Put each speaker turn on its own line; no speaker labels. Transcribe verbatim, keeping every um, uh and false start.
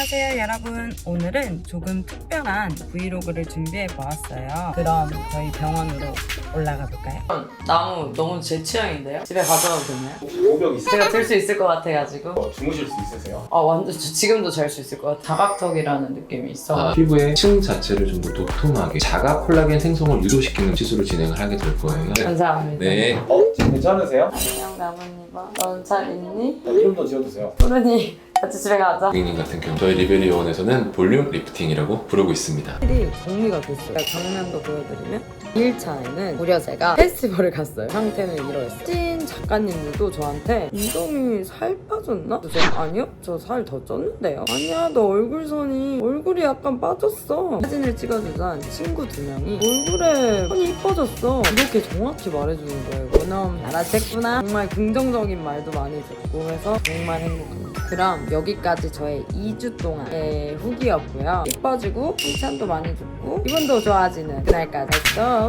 안녕하세요 여러분. 오늘은 조금 특별한 브이로그를 준비해 보았어요. 그럼 저희 병원으로 올라가 볼까요? 나무 너무 제 취향인데요? 집에 가져와도 되나요?
오벽 있어요?
제가 들 수 있을 것 같아가지고
어, 주무실 수 있으세요?
아 완전 저 지금도 잘 수 있을 것 같아요. 자각턱이라는 느낌이 있어.
아, 피부의 층 자체를 좀 더 도톰하게 자가 콜라겐 생성을 유도시키는 시술을 진행을 하게 될 거예요.
감사합니다.
네.
어? 지금 괜찮으세요?
안녕 나뭇잎아. 넌 잘 있니?
이름 더 지어주세요.
푸르니 같이 집에 가자.
고객님 같은 경우 저희 리베리 요원에서는 볼륨 리프팅이라고 부르고 있습니다.
이 정리가 됐어요. 장면도 보여드리면 일 차에는 무려 제가 페스티벌을 갔어요. 상태는 이러했어요. 찐 작가님들도 저한테 이동이 살 빠졌나? 그래서 아니요? 저 살 더 쪘는데요? 아니야 너 얼굴선이 얼굴이 약간 빠졌어. 사진을 찍어주던 친구 두 명이 얼굴에 선이 이뻐졌어. 이렇게 정확히 말해주는 거예요. 그놈 알아챘구나. 정말 긍정적인 말도 많이 듣고 해서 정말 행복합니다. 그럼 여기까지 저의 이 주 동안의 후기였고요. 이뻐지고 칭찬도 많이 듣고 기분도 좋아지는 그날까지. Let's go!